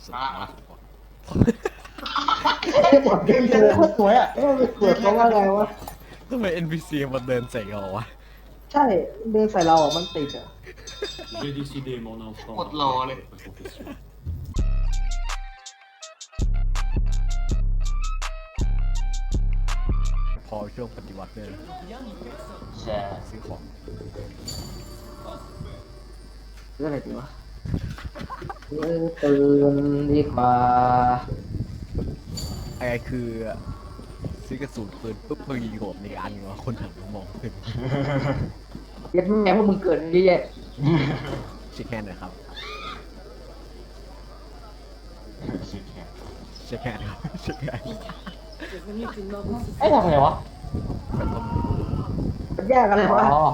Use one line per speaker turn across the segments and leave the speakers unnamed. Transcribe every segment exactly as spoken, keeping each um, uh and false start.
อ่า
หมดเดินเลยโคตรสวยอ่ะเออไปเกิดเพราะว่าอะไรวะ
ทำไม เอ็น พี ซี มันเดินใส่เราวะ
ใช่เดินใส่เราอ่ะมันติดอ่ะ
J'ai décidé, mon enfant,
Trop de
d'en
lent,
faire
allez.
votre profession.
พอช่วงปฏิวัติเนี่ย
ใช่
ซื้อของ
เรื่องอะไรดีวะเออตื่นดีกว่า
ไอ้คือซื้อกระสุนปืนปุ๊บมึงยิงโหดในอันวะคนหันมามองขึ้น
เย็ดแม่พวกมึงเกิดเยอะแยะ
เช็คแฮนด์หน่อยครับ
ชิคแค่
เช็คแฮนด์ครับเช็คแฮนด์
ไอ้ทำไงวะ
แบบว่า
มันยากอะไรวะ
อ๋อ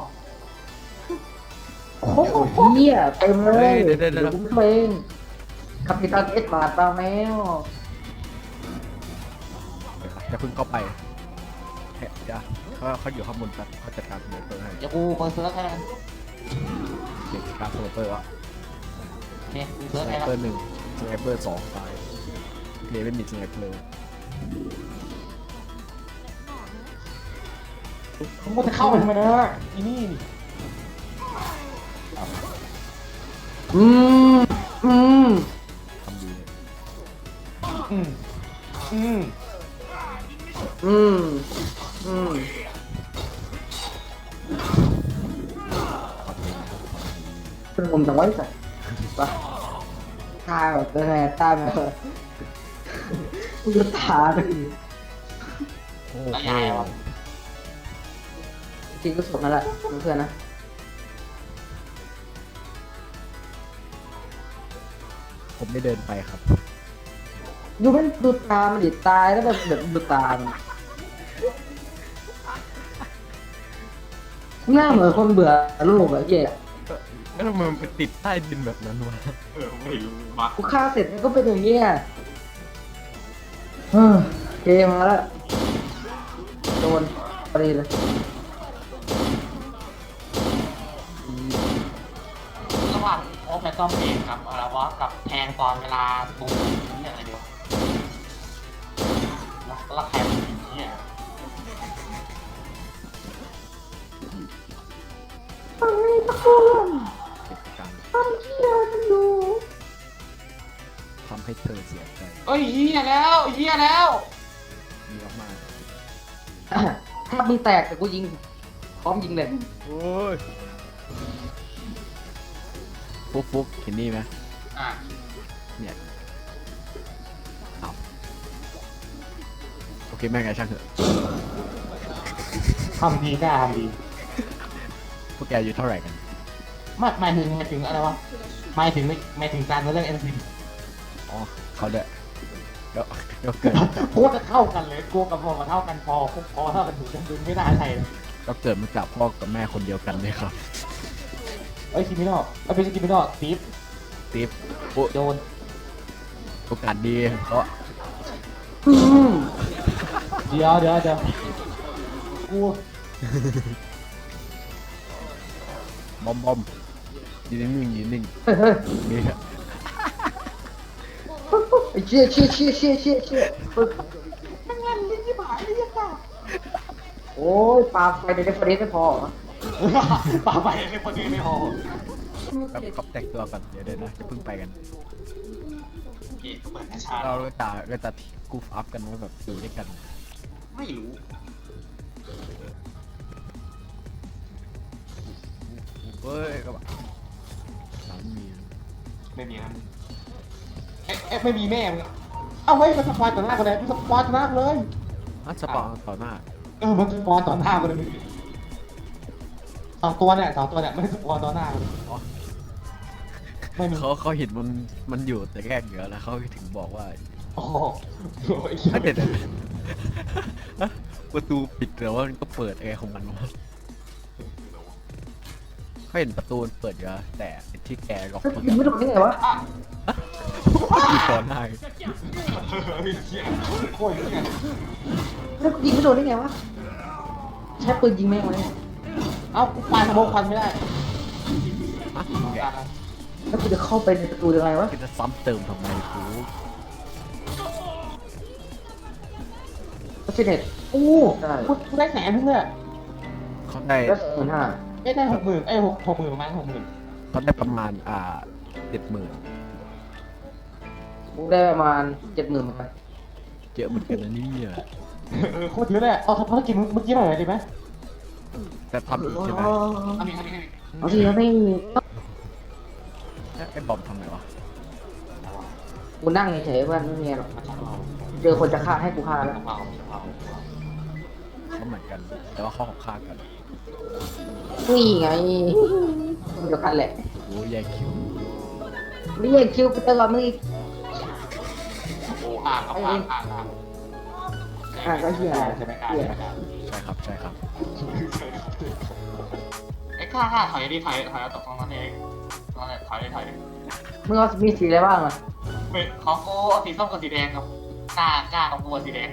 โอ้โหเฮียเต็มเลย
เดี๋ยวเดี๋ยวเดี๋ยว
ผมเพลงคาปิตันเอสบาทตาแมว
จะพึ่งเข้าไปเฮ้ยเดี๋ยวเขาเขาอยู่ข้างบนแป๊บเขาจัดการสไนเปอร์ให้
เดี๋ยวกูเปิดเซิร์ฟให้กัน
เด็กจัดการสไนเปอร์วะ
โอเคกู
ส
เซิร์ฟ
ไน
ให้
เปอ
แล้ว
ร์หนึ่งสไนเปอร์สองตายเพลย์ไม่มีสไนเปอร์
กูจะเข้าไปทำไมนะอีนี่
อืมอืม
ทำดีเลย
อืมอืม
อืมอืมเป็นผมจังไว้ใส่ปะตาแบบเป็นไงตาแบบกูจะตาเลย
โอ้
แล้ว
โห
ยายวะ
จริงก็สดนั่นแหละเพื่อนๆนะ
ผมไม่เดินไปครับ
ดูมันดูตามันดิตายแล้วแบบแบบดูตามันหน้าเหมือนคนเบื่อโลกอะเหี้ย
แล้วทำไมมันไปติดใต้ดินแบบนั้นวะ
เออไม่รู้บัก
กูฆ่าเสร็จมันก็เป็นอย่างเงี้ยเออเกมมาแล้วโดนพอดีเลย
ระหว่างโอแพตตอมเองกับอะไรวะกับแทงตอนเวลาตูนี่อะไรเดียวแล้วแล้วใครมันเป็นเนี่ย
ไอ้ตะกุน
เป็นการ
ทำเหี้ยมันอยู่
ทำให้เธอเสียใจ
เอ้ยเฮียแล้วเฮียแล้ว
มีมาก
ถ้ามึงแตกแต่กูยิงพร้อมยิงเลย
ๆโอ้ยฟุกฟุกเห็นนี่ไหม
อ่ะ
เนี่ยเอาโอเคแม่งไงช่างเถอะ
ทำดีกล้าทำดี
พวกแกอายู่เท่าไหร่กัน
ไม่หมายถึงหมายถึงอะไรวะหมายถึงไม่หมายถึงการเรื่องเอ็นซี
อ๋อเขาเด้อเดี๋ยวเดี๋ยวเกิด
โคตรจะเข้ากันเลยกูกับพอมาเท่ากันพอพอเท่ากันถูกกันดึงไม่ได้ใช่เลย
เราเกิดมาจากพ่อกับแม่คนเดียวกันเลยครับ
เอ้ยคิมิโนะเอ้ยไม่ใช่คิมิโนะตีฟ
ติ๊บโอ้
โดน
โอกาสดีเพราะ
อืม
เดี๋ยวเดี๋ยวเดี๋ยวกู
บอมบอมยืนนิ่งๆยืนนิ่ง
เฮ้ยเฮ้ย
นี่
ไอ้เชี่ยเชี่ยเชี่ยเชี่ยเชี่ยเชี่ยโอ้ยปาไฟในเดฟเฟอเรนซ์ไม่พอเหรอ
ป่าไปเลยพอดีไม่พอ
แบบเขาแต่งตัวก่อนเดี๋ยวเดี๋ยวนะจะเพิ่งไปกัน
โอเคเปิดกระชา
เราก็จะก็จะกูฟอัพกันว่าแบบอยู่ด้วยกัน
ไม่รู้
เฮ้ยก็แบบสามี
ไม่มีครับเอ๊ะเอ๊ะไม่มีแม่มึงอะเอ้าเฮ้ยมันสปอยต่อหน้ากันเลยมันสปอยต่อหน้ากูเลย
อ่ะสปอร์ต่อหน้า
เออมันสปอยต่อหน้ากูเลยสองตัวเนี่ยสองตัวเนี่ยไม่ได้สปอยต่อหน้ากูเลย
อ๋อ
ไม่มี
เขาเขาเห็นมันมันอยู่แต่แรกเหนือแล้วเขาถึงบอกว่า
โอ้โหโอ้ย
ถ้าเด็ดประตูปิดแต่ว่ามันก็เปิดเองของมันวะเขาเห็นประตูมันเปิดอยู่แล้วแต่ไอ้ที่แกล็อก
เฮ้ย
มัน
ยิงไม่โดนได้ไงวะ
ก่อนหน้า
โคตรเหี้ย
แล้วยิงไม่โดนได้ไงวะใช้ปืนยิงแม่งเลย
เอ้ากูปาสโมกควันไม่ได้
ฮะมึงแก
ปา
แล้วกูจะเข้าไปในประตูยังไงวะ
ก็จะซ้ำเติมทำไมกู
ก็สิเน็ต
อู้
ได้
กูกูได้แสนนึงเลยอะ
เขาได้
แล้วหมื่นห้า
เอ้ยได้หกหมื่นเอ้ยหกหกหมื่นประมาณหกหมื่น
เขาได้ประมาณอ่าเจ็ดหมื่น
กูได้ประมาณเจ็ดหมื่นเหมือนกัน
เยอะเหมือนกันนะเนี่ย
เออโคตรเยอะเลยอะเอาทำภารกิจเมื่อกี้หน่อยดีไหม
แต่ทำอีกใช่ไหม
อันนี้อันนี้
เอาสิแล้วไม่มี
ไอ้บอมทำไงวะ
กูนั่งเฉยๆเพื่อนไม่มีอะไรหรอก
มาจากเรา
เจอคนจะฆ่าให้กูฆ่าแล้ว
จากเราจากเรา
เขาเหมือนกัน แต่ว่าเขาของข้างกัน
นี่ไงเดียวกันแหละ
โอ้ยแย่งคิว
ไม่เรียกคิวไปตลอดมึงอีก
โอ้อ่างครับอ่างอ่างอ่าง
อ่ะก็เหี้ย
ใช่ไหมอ่างใช่ไหมอ่าง
ใช่ครับใช่ครับ
ไอ้ข้าข้าถอยดิถอยถอยเอาตกตรงนั้นเองตรงนั้นถอยดิถอยดิ
มึงเอามีสีอะไรบ้างอ่ะ
ไม่ของกูเอาสีส้มกับสีแดงครับกล้ากล้าของกูเอาสีแดง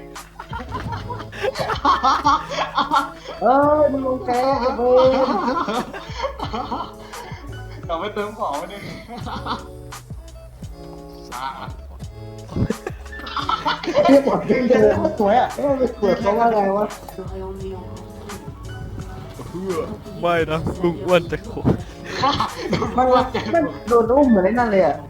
เอ้ยมึงลงแกเว้ย
เราไม่เติมของไม่ได้อ่า
เรียกว่าเดินเดิน
สวยอ่ะ
เอ้ยเปิดเขาว่าไงวะ
ไม่นะลุงอ้วนจะโค
มันมันโดนอุ้มเหมือนไอ้นั่นเลยอ่ะ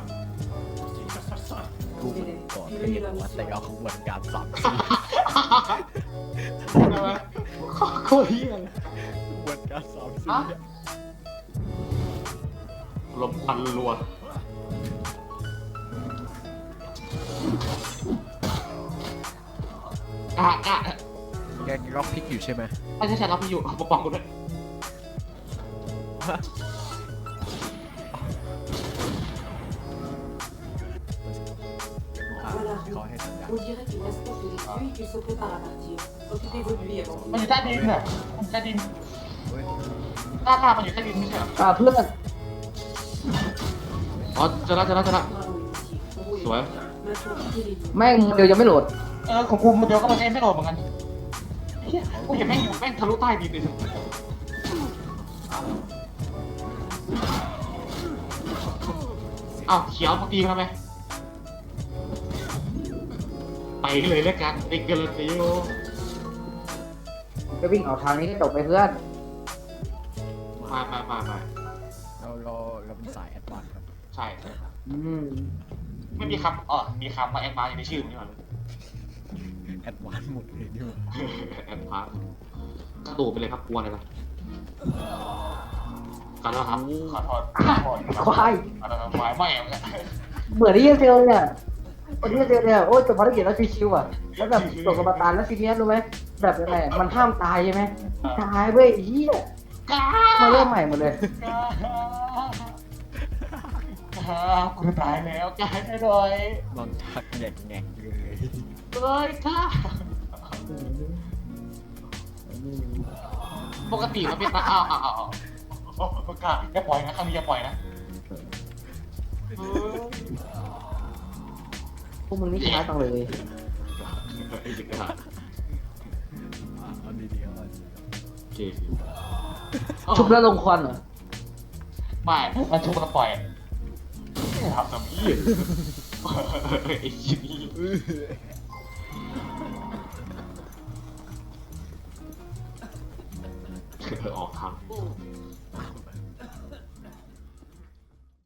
กูก่อนเรียนว่าแต่เอาขบวนการสามสี่
ใช่ไหมโคตรเฮี้ย
ขบวนการสามสี่
ลมควันรัวกะกะ
แกล็อกพลิกอยู่ใช่ไหม
ไม่ใช่ฉันรับพี่อยู่ปกป้องกูด้วย
เขาให้สัญญาณ
On dirait qu'il reste quelques esprits et qu'il se prépare à partir. Occupez-vous de lui avant
มันอยู่ใต้ดินเนี่ยมันอยู่ใต้ดิน
เฮ้ย
หน้าตามันอยู่ใต้ดินไม่ใช่เหรอ
อ่าเพื่อน
อ๋อเจอแล้วเจอแล้วเจอแล้ว
Bravo, Lucie.
Ouais.
Maintenant, quittez les lieux.
แม่งเดียวยังไม่โหลด
เออของกูมันเดียวก็มันเองไม่โหลดเหมือนกันเฮียกูเห็นแม่งอยู่แม่งทะลุใต้ดินเลยอ้าวเขียวมาตีกันไหมไปเลยแล้วกันไปกันเลยติโอ
จะวิ่งออกทางนี้ก็จบไปเพื่อน
มามามามา
เราเราเราเป็นสายแอดวานซ์ครับ
ใช่ใช่
อืม
ไม่มีคำอ๋อมีคำว่าแอดวานซ์อยู่ในชื่อมันนี่หว่า
แอดวานซ์หมดเลยนี่หว่า
แอดวานซ์กระตูไปเลยครับกลัวอะไรปะกันแล้วครับขอโทษขอโทษครับ
ควาย
ขอโทษควายไม่เอาเนี่ย
เหมือนที่เยเซลเนี่ยคนที่เยเซลเนี่ยโอ้ยจบภารกิจแล้วชิวๆอ่ะแล้วแบบตกกระบาตานแล้วทีเนี้ยรู้ไหมแบบยังไงมันห้ามตายใช่ไหมตายเว้ยไอ้เหี้ย
กล้า
มาเริ่มใหม่หมดเลย
กูตายแล้วกายให้หน่อย
นอนชักแงกแงกเลย
เลยค่ะปกติมันเป็นตาอ้าวอ้าวอ้าวโอ้กล้าอย่าปล่อยนะครั้งนี้อย่าปล่อยนะ
พวกมึงนี่ช้าจังเลย
ไอ้เด็กกล้า
เอาดีๆเอาดี
โอเค
ชุบแล้วลงควันเหรอ
ไม่มันชุบมันปล่อยทำทำพี่ไอ้ยี่นี่ออกทาง